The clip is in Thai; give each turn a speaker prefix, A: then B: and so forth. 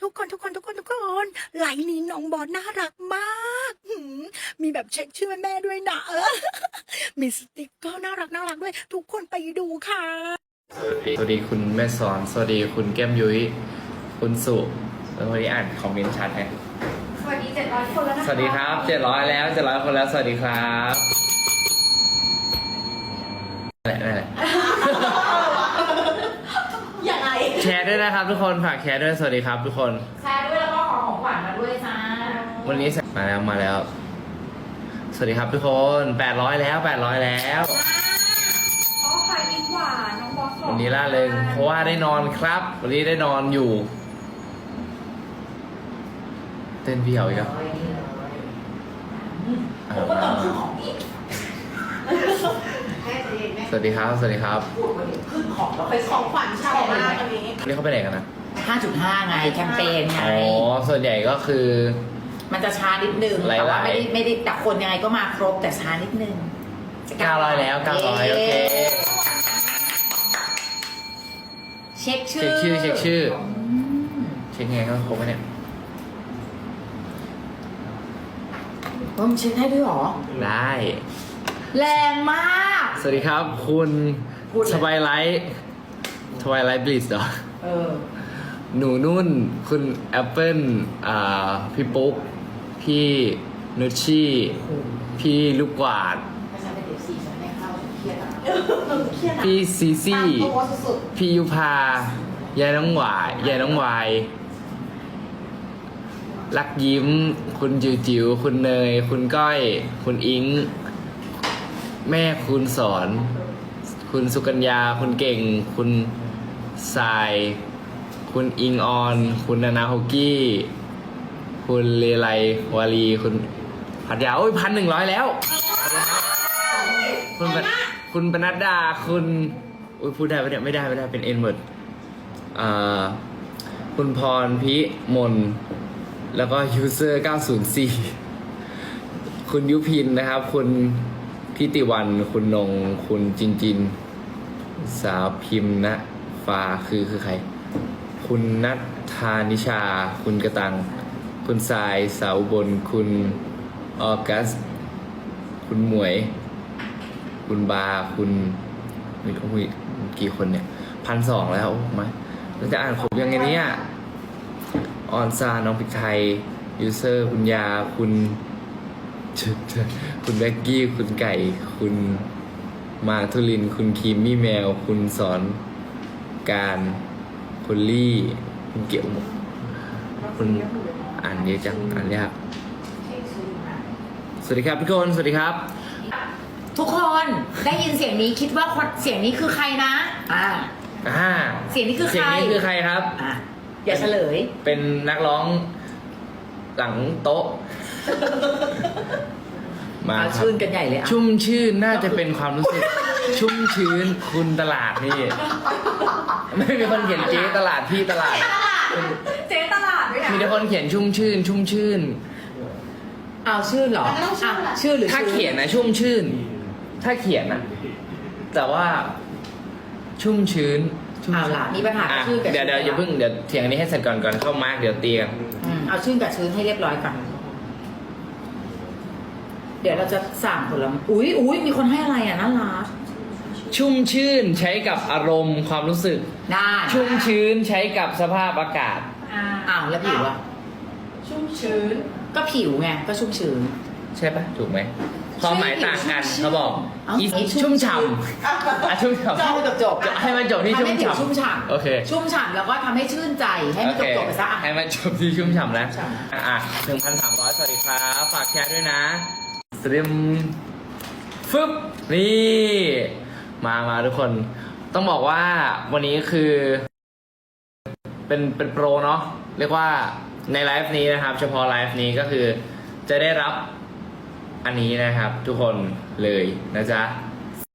A: คนไลน์นี้น้องบอสน่ารักมากมีแบบเช็คชื่อแม่ด้วยนะมีสติกเกอร์น่ารักด้วยทุกคนไปดูค่ะ
B: สวัสดีคุณแม่สอนสวัสดีคุณแก้มยุ้ยคุณสุแล้ววันนี้อ่านคอมเมนต์ชัดไหม
C: สวัสดี700 คนแล้วนะคะ
B: สวัสดีครับ700แล้ว700คนแล้วสวัสดีครับนั่นแหละ
C: ยังไง
B: แชร์ด้วยนะครับทุกคนฝากแชร์ด้วยสวัสดีครับทุกคน
C: แชร์ด้วยแล้วก็ขอของขวัญมาด้วยจ้า
B: วันนี้มาแล้วสวัสดีครับทุกคน800แล้ว
C: ขอขายดีกว่าน้องบอส
B: วันนี้ล่าเริงเพราะว่าได้นอนครับวันนี้ได้นอนอยู่เต้นพี่เหรออีกครับ
C: ผมก็ต้องขึ้นของอีก
B: สวัสดีครับสวัสดีครับ
C: ขึ้นของเราไปของขวัญชาวมากวันนี้
B: นี่เขาไปไหนกันนะ
D: 5.5 ไงแคมเปญไง
B: อ๋อส่วนใหญ่ก็คือ
D: มันจะช้านิดนึงแต่ว่าไม่ได้แต่คนยังไงก็มาครบแต่ช้านิดนึง
B: 900แล้ว900โอเค
D: เช็คชื่อ
B: เช็คไงก็ครบไหมเนี่ย
D: มันเช็คได้ด้วยหรอ
B: ได้
D: แรงมาก
B: สวัสดีครับคุณสบายไลท์บลิสเหรอหนูนุ่นคุณแอปเปิ้ลพี่ปุ๊กพี่นุชชี่พี่ลูกกวาดพี่ซีซี่พี่ยุพายายน้องหวายลักยิ้มคุณจิ๋วคุณเนยคุณก้อยคุณอิงแม่คุณสอนคุณสุกัญญาคุณเก่งคุณทรายคุณอิงออนคุณนานาโฮกี้คุณเลไลวาลีคุณพัทยาโอ้ย1,100แล้วคุณปนัดดาคุณพูดได้ปะเนี่ยไม่ได้เป็นเอ็นเวิร์ดคุณพรพิมลแล้วก็ยูเซอร์904คุณยุพินนะครับคุณพิติวันคุณนงคุณจินสาวพิมพ์นะฟ้าคือใครคุณนัทธานิชาคุณกระตังคุณทรายสาวบนคุณออกัสคุณหมวยคุณบาคุณมีกี่คนเนี่ย1,200แล้วมาเราจะอ่านครบยังไงเนี่ยออนซาน้องพริกไทยยูเซอร์คุณยาคุณแบ็กกี้คุณไก่คุณมาทุลินคุณคีมมี่แมวคุณสอนการคุณลี่คุณเกี่ยวคุณอ่านเยอะจังอ่านยากสวัสดีครับทุกคนสวัสดีครับ
D: ทุกคนได้ยินเสียงนี้คิดว่าเสียงนี้คือใครนะเสียงนี้คือใคร
B: ครับ
D: อย่าเฉลย
B: เป็นนักร้องหลังโต๊ะ
D: มาชื่นกันใหญ่เลย
B: ชุ่มชื่นน่าจะเป็นความรู้สึกชุ่มชื้นคุณตลาดนี่ไม่มีคนเขียนเจ๊ตลาดพี่ตลาด
C: เจ๊ตลาดด้วยนะ
B: มีแต่คนเขียนชุ่มชื่น
D: เอาชื่อเหรอชื่อหรือ
B: ถ้าเขียนนะชุ่มชื่นถ้าเขียนนะแต่ว่าชุ่มชื้น
D: เอาล่ะมีปัญหาชื่อกับ
B: เดี๋ยวอย่าเพิ่งเดี๋ยวเถียงนี้ให้เสร็จก่อนเข้ามาร์กเดี๋ยวตีกัน
D: เอาชื่อกับชื้นให้เรียบร้อยก่อนเดี๋ยวเราจะสั่งผลไม้อุ้ยมีคนให้อะไรน่ารัก
B: ชุ่มชื่นใช้กับอารมณ์ความรู้สึก
D: ได้
B: ชุ่มชื้นใช้กับสภาพอากาศ
D: แล้วผิวอะ
C: ชุ่มชื้น
D: ก็ผิวไงก็ชุ่มชื้น
B: ใช่ปะถูกไหมความหมายต่างกันเขาบอกชุ่มฉ่ำชุ่มฉ่ำให้มันจบที่ชุ่มฉ่ำโอเค
D: ชุ่มฉ่ำแล้วก็ทำให้ชื่นใจให้มันจบไปซะ
B: ให้มันจบที่ชุ่มฉ่ำนะ1,300สวัสดีครับฝากแชร์ด้วยนะสตรีมฟึบนี่มาทุกคนต้องบอกว่าวันนี้คือเป็นโปรเนาะเรียกว่าในไลฟ์นี้นะครับเฉพาะไลฟ์นี้ก็คือจะได้รับอันนี้นะครับทุกคนเลยนะจ๊ะ